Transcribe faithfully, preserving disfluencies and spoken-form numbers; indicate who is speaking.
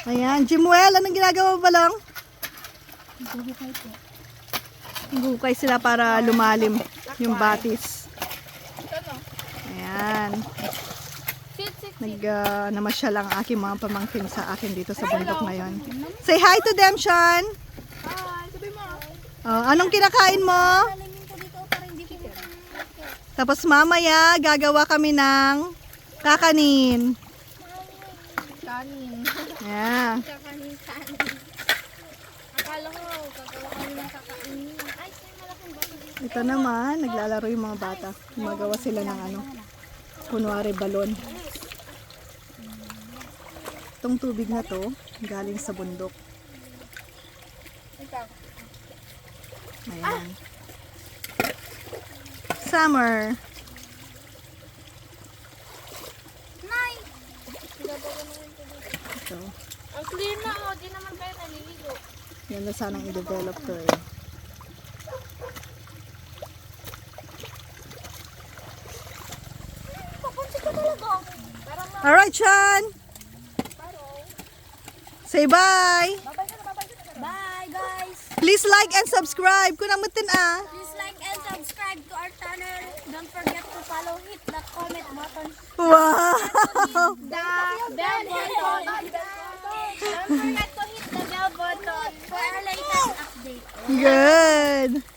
Speaker 1: Ayan, Jimuel, anong ginagawa mo ba lang?
Speaker 2: Guhukay po.
Speaker 1: Gukay sila para lumalim yung batis. Ayan. Nag, uh, namasyal ang aking mga pamangkin sa akin dito sa bundok ngayon. Say hi to them, Sean.
Speaker 2: Hi, sabi mo.
Speaker 1: Oh, anong kinakain mo? Tapos mamaya, gagawa kami ng kakanin.
Speaker 2: Kanin.
Speaker 1: Yeah.
Speaker 2: Kakanin, kanin. Akala ko, gagawa kami ng kakainin. Ay, may malaking bato dito.
Speaker 1: Ito naman, naglalaro yung mga bata. Gumagawa sila ng ano, kunwari balon. Itong tubig na to, galing sa bundok. Ayan. Summer.
Speaker 2: Nay!
Speaker 1: Ito.
Speaker 2: Ang clear na, oh. Di naman kayo naliligo.
Speaker 1: Yan na sanang i-develop to eh.
Speaker 2: Papunsi ka talaga. Parang na.
Speaker 1: Alright, Sean! Say bye!
Speaker 2: Bye, guys!
Speaker 1: Please like and subscribe. Kung namutin ah.
Speaker 2: Please like and subscribe to our channel. Don't forget to follow, hit the comment button.
Speaker 1: Wow!
Speaker 2: The bell button. Don't forget to hit the bell button for our latest update.
Speaker 1: Good!